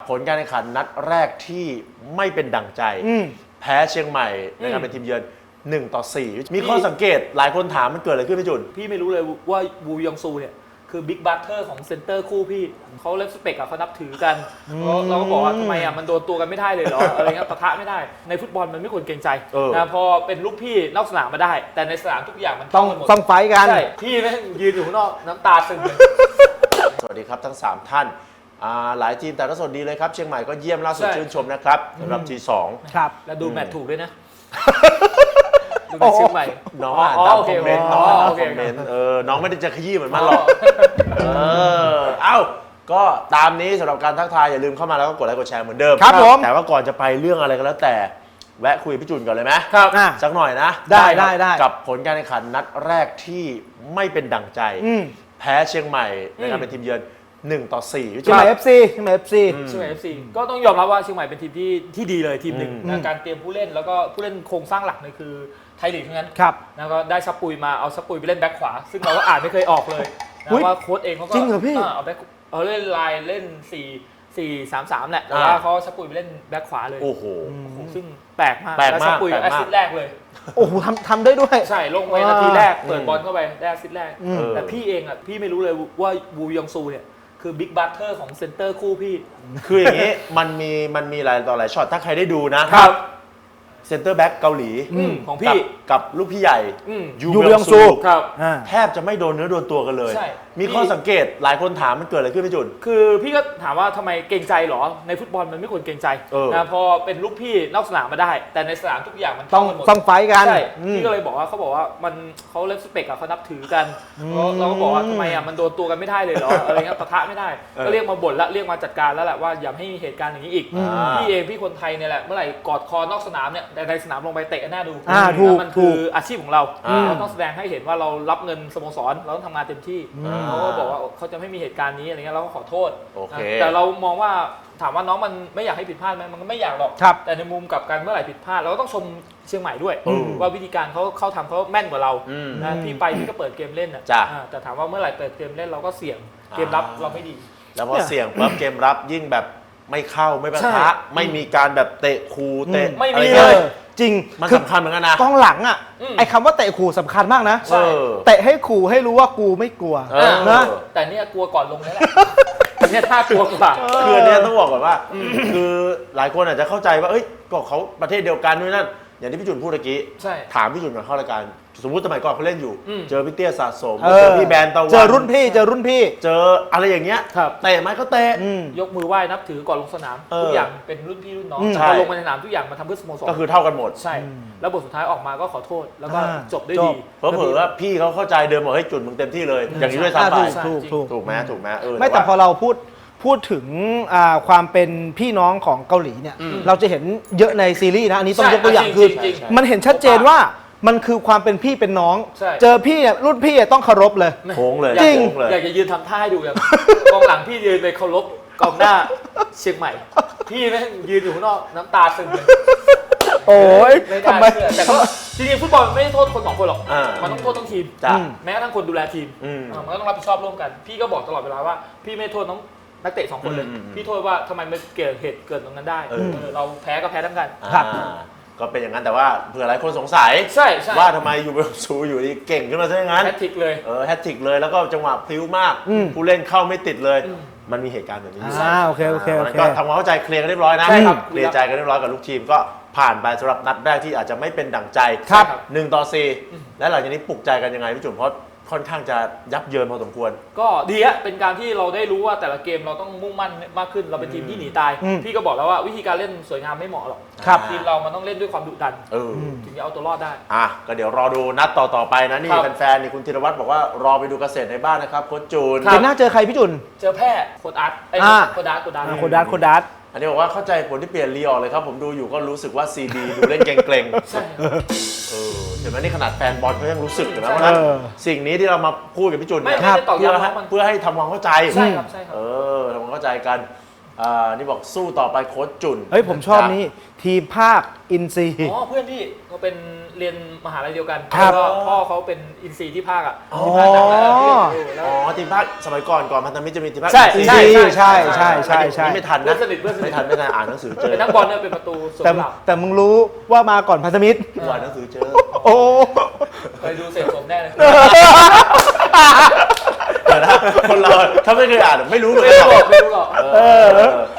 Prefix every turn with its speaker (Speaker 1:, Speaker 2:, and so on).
Speaker 1: ผลการแข่งขันนัดแรกที่ไม่เป็นดั่งใจแพ้เชียงใหม่ในการเป็นทีมเยือน1-4มีข้อสังเกตหลายคนถามมันเกิดอะไรขึ้นพี่จุน
Speaker 2: พี่ไม่รู้เลยว่าวูยองซูเนี่ยคือบิ๊กบัตเตอร์ของเซนเตอร์คู่พี่เขาเลฟสเปกอะเขานับถือกันเราก็บอกว่าทำไมอะมันโดนตัวกันไม่ได้เลยเหรออะไรเงี้ยปะทะไม่ได้ในฟุตบอลมันไม่ควรเกรงใจนะพอเป็นลูกพี่นอกสนามมาได้แต่ในสนามทุกอย่างมัน
Speaker 3: ต้องไฟกัน
Speaker 2: ใช่พี่แม่งยืนอยู่ข้างนอกน้ำตาซึมเลย
Speaker 1: สวัสดีครับทั้ง3ท่านหลายทีมแต่ละสดดีเลยครับเชียงใหม่ก็เยี่ยมล่าสุดชื่นชมนะครับสำหรับที2
Speaker 3: ครับ
Speaker 2: แล้วดูแมตช์ถูกด้วยนะดูแมตช์เชียงใหม่
Speaker 1: น้องอ่านตามคอมเมนต์น้องอ่านตามคอมเมนต์น้องไม่ได้จะขยี้เหมือนมันหรอกเอ้าก็ตามนี้สำหรับการทักทายอย่าลืมเข้ามาแล้วก็กดไลค์กดแชร์เหมือนเดิม
Speaker 3: ครับผม
Speaker 1: แต่ว่าก่อนจะไปเรื่องอะไรก็แล้วแต่แวะคุยกับพี่จุนก่อนเลยไหม
Speaker 2: ครับ
Speaker 1: สักหน่อยนะ
Speaker 3: ได้
Speaker 1: กับผลการแข่งขันนัดแรกที่ไม่เป็นดั่งใจแพ้เชียงใหม่ในการเป็นทีมเยือน1-4
Speaker 3: เชียงใหม่ FC เชียงใหม่ FC
Speaker 2: เชียงใหม่ FC ก็ต้องยอมรับว่าเชียงใหม่เป็นทีมที่ดีเลยทีมหนึ่งนะการเตรียมผู้เล่นแล้วก็ผู้เล่นโครงสร้างหลักเนี่ยคือไทยลีกทั้งนั้น
Speaker 3: ครับ
Speaker 2: แล้วก็ได้ซับปุยมาเอาซับปุยไปเล่นแบ็คขวาซึ่งเราก็อ่านไม่เคยออกเลยนะว่าโค้ชเองเขาก็
Speaker 3: จริงเหรอพี่
Speaker 2: เอาเล่นไลน์เล่น4-3-3แหละแต่ว่าเขาซับปุยไปเล่นแบ็คขวาเลย
Speaker 1: โอ้โห
Speaker 2: ซึ่งแปลกมากแล้วซับปุยแอสซิสต์แรกเลย
Speaker 3: โอ้โหทำได้ด้วย
Speaker 2: ใช่ลงไปนาทีแรกเปิดบอลเข้าไปได้แอสซิสต์แรกแต่พี่เองอ่ะพี่ไม่รู้เลยว่าวูยองซูเนี่ยคือบิ๊กบัตเตอร์ของเซนเตอร์คู่พี่
Speaker 1: คืออย่างนี้มันมีหลายต่อหลายช็อตถ้าใครได้ดูนะครับเซนเตอร์แบ็กเกาหลี
Speaker 2: ของพี่
Speaker 1: กับลูกพี่ใหญ่
Speaker 3: ยูเบียงซู
Speaker 1: แทบจะไม่โดนเนื้อโดนตัวกันเลย
Speaker 2: ใช่
Speaker 1: มีข้อสังเกตหลายคนถามมันเกิดอะไรขึ้นพี่จุน
Speaker 2: คือพี่ก็ถามว่าทำไมเกรงใจหรอในฟุตบอลมันไม่ควรเกรงใจนะพอเป็นลูกพี่นอกสนามมาได้แต่ในสนามทุกอย่างมัน
Speaker 3: ต้องไฟกัน
Speaker 2: ใช่พี่ก็เลยบอกว่าเขาบอกว่ามันเขาเลฟสเปกอะเขานับถือกันเราก็บอกว่าทำไมอะมันโดนตัวกันไม่ได้เลยเหรออะไรเงี้ยปะทะไม่ได้ก็เรียกมาบ่นละเรียกมาจัดการแล้วแหละว่าอย่าให้เหตุการณ์อย่างนี้อีกพี่คนไทยเนี่ยแหละเมื่อไหร่กอดคอนอกสนามเนี่ยแต่ในสนามลงไปเตะหน้าดูมันคืออาชีพของเราต้องแสดงให้เห็นว่าเรารับเงินสโมสรเราต้องทำงานเต็มที่เขาก็บอกว่าเขาจะไม่มีเหตุการณ์นี้อะไรเงี้ยเราก็ขอโทษแต่เรามองว่าถามว่าน้องมันไม่อยากให้ผิดพลาดไหมมันก็ไม่อยากหรอกแต่ในมุมกับการเมื่อไหร่ผิดพลาดเราก็ต้องชมเชียงใหม่ด้วยว่าวิธีการเขาทำเขาแม่นกว่าเรานะพี่ไปพี่ก็เปิดเกมเล่นแต่ถามว่าเมื่อไหร่เปิดเกมเล่นเราก็เสี่ยงเกมรับเราไม่ดี
Speaker 1: แล้วพอเสี่ยงปั๊บเกมรับยิ่งแบบไม่เข้าไม่ปะทะไม่มีการแบบเตะคูเตะ
Speaker 2: ไม่มีเลย
Speaker 3: จริง
Speaker 1: มันสำคัญเหมือนกันนะ
Speaker 3: กองหลังอ่ะไอ้คำว่าเตะขู่สำคัญมากนะเตะให้ขู่ให้รู้ว่ากูไม่กลัว
Speaker 2: นะแต่เนี่ยกลัวก่อนลงนี่แหละเนี่ยท่ากลัวกว่า
Speaker 1: คืออันนี้ต้องบอกก่อนว่าคือหลายคนอาจจะเข้าใจว่าเอ้ยก็เขาประเทศเดียวกันด้วยนั่นอย่างที่พี่จุนพูดเมื่อกี้ถามพี่จุนก่อนเข้ารายการสมมติสมัยก่อนเขาเล่นอยู่เจอพี่เตี้ยสะสมเจอพี่แบนตะวัน
Speaker 3: เจอรุ่นพี่เจอ
Speaker 1: อะไรอย่างเงี้ยเตะไหมก็เตะ
Speaker 2: ยกมือไหว้นับถือก่อนลงสนามทุกอย่างเป็นรุ่นพี่รุ่นน้องพอลงมาในสนามทุกอย่างมาทำเพื่อสโมสร
Speaker 1: ก็คือเท่ากันหมด
Speaker 2: ใช่แล้วบทสุดท้ายออกมาก็ขอโทษแล้วก็จบได้ดี
Speaker 1: เพราะเผื่อว่าพี่เขาเข้าใจเดิมบอกให้จุดมึงเต็มที่เลยอย่างนี้ด้วยซ้ำไปถูกไหม
Speaker 3: ไม่แต่พอเราพูดถึงความเป็นพี่น้องของเกาหลีเนี่ยเราจะเห็นเยอะในซีรีส์นะอันนี้ต้องยกตัวอย่างคือมันเห็นชัดเจนว่ามันคือความเป็นพี่เป็นน้องเจอพี่รุ่นพี่ต้องเคารพเลย
Speaker 1: โค้งเลย
Speaker 3: จริง
Speaker 2: อยากจะยืนทำท่าให้ดูอย่างกองหลังพี่ยืนไปเคารพกองหน้าเชียงใหม่พี่แม่งยืนอยู่ข้างนอกน้ำตาซึมเลย
Speaker 3: โอ้ย
Speaker 2: ทำไมแต่ก็จริงๆฟุตบอลไม่ได้โทษคน2คนหรอกมันต้องโทษทั้งทีมแม้กระทั่งคนดูแลทีมมันก็ต้องรับผิดชอบร่วมกันพี่ก็บอกตลอดเวลาว่าพี่ไม่โทษน้องนักเตะ2คนเลยพี่โทษว่าทำไมมันเกิดเหตุเกิดตรงนั้นได้เราแพ้ก็แพ้ทั้งกัน
Speaker 1: ก็เป็นอย่างนั้นแต่ว่าเผื่อหลายคนสงสัยว่าทำไมยูเบลซูอยู่ดีเก่งขึ้นมาซะอย่างนั้น
Speaker 2: แฮตทริกเลย
Speaker 1: แฮตทริกเลยแล้วก็จังหวะพลิ้วมากผู้เล่นเข้าไม่ติดเลยมันมีเหตุการณ์แบบนี้
Speaker 3: โอเค
Speaker 1: ก็ทำความเข้าใจเคลียร์กันเรียบร้อยนะเคลียร์ใจกันเรียบร้อยกับลูกทีมก็ผ่านไปสำหรับนัดแรกที่อาจจะไม่เป็นดั่งใจ1-4และหลังจากนี้ปลุกใจกันยังไงพี่จุ๋มเพราะค่อนข้างจะยับเยินพอสมควร
Speaker 2: ก็ดีฮะเป็นการที่เราได้รู้ว่าแต่ละเกมเราต้องมุ่งมั่นมากขึ้นเราเป็นทีมที่หนีตายพี่ก็บอกแล้วว่าวิธีการเล่นสวยงามไม่เหมาะหรอกทีมเรามันต้องเล่นด้วยความดุดันถึงจะเอาตัวรอดได้
Speaker 1: ก็เดี๋ยวรอดูนัดต่อไปนะนี่แฟนๆนี่คุณธีรวัตรบอกว่ารอไปดูเกษตรในบ้านนะครับโค้ชจูน
Speaker 3: เกมหน้าเจอใครพี่จุน
Speaker 2: เจอแพ้โค้ชอาร์ตโค้ช
Speaker 3: ดัต
Speaker 1: อันนี้บอกว่าเข้าใจผลที่เปลี่ยนลีออกเลยครับผมดูอยู่ก็รู้สึกว่าซีดีดูเล่นเกรง
Speaker 2: ๆใช่
Speaker 1: เห็นไหมนี่ขนาดแฟนบอลเขายังรู้สึกอยู่นะเพราะฉะนั้นสิ่งนี้ที่เรามาพูดกับพี่จุนเนี่ยเพื่อให้ทำความเข้าใจ
Speaker 2: ใช่ครับ
Speaker 1: ทำความเข้าใจกันนี่บอกสู้ต่อไปโค้ชจุน
Speaker 3: เฮ้ยผมชอบนี่ทีมภาคอินซีย์
Speaker 2: อ๋อเพื่อนที่เขาเป็นเรียนมหาลัยเดียวกัน
Speaker 3: ครับ
Speaker 2: แล้วก็พ่อเขาเป็นอินซีที่ภาคอ่ะ
Speaker 3: อ๋อ
Speaker 2: ที่ภาคหนังแล้วที่เรียนอยู่แล้ว
Speaker 1: อ๋อทีมภาคสมัยก่อนพันธมิตรจะมีทีมภาค
Speaker 2: ใช่
Speaker 3: อิน
Speaker 2: ใช่
Speaker 3: ซีย์ใช่ใช่ใช่ใช่
Speaker 1: นี่ไม่ทัน
Speaker 2: เพื่อ
Speaker 1: นะ
Speaker 2: นสนิทเพื่อนสนิ
Speaker 1: ไม่
Speaker 2: ท
Speaker 1: ทันอ่านหนังสือเจอ
Speaker 2: เป็นนักบอลเนี่ยเป็นประตูสวน
Speaker 3: แต่
Speaker 2: กุหลาบ
Speaker 3: แต่มึงรู้ว่ามาก่อนพันธมิตร
Speaker 1: อ่านหนังสือเจอ
Speaker 3: โอ้
Speaker 2: เคยดูเสร็จสมแน่เลย
Speaker 1: เดี๋ยวนะคนเราถ้าไม่เคยอ่านไม่รู้เลย
Speaker 2: ไม่รู้หรอก
Speaker 1: เออ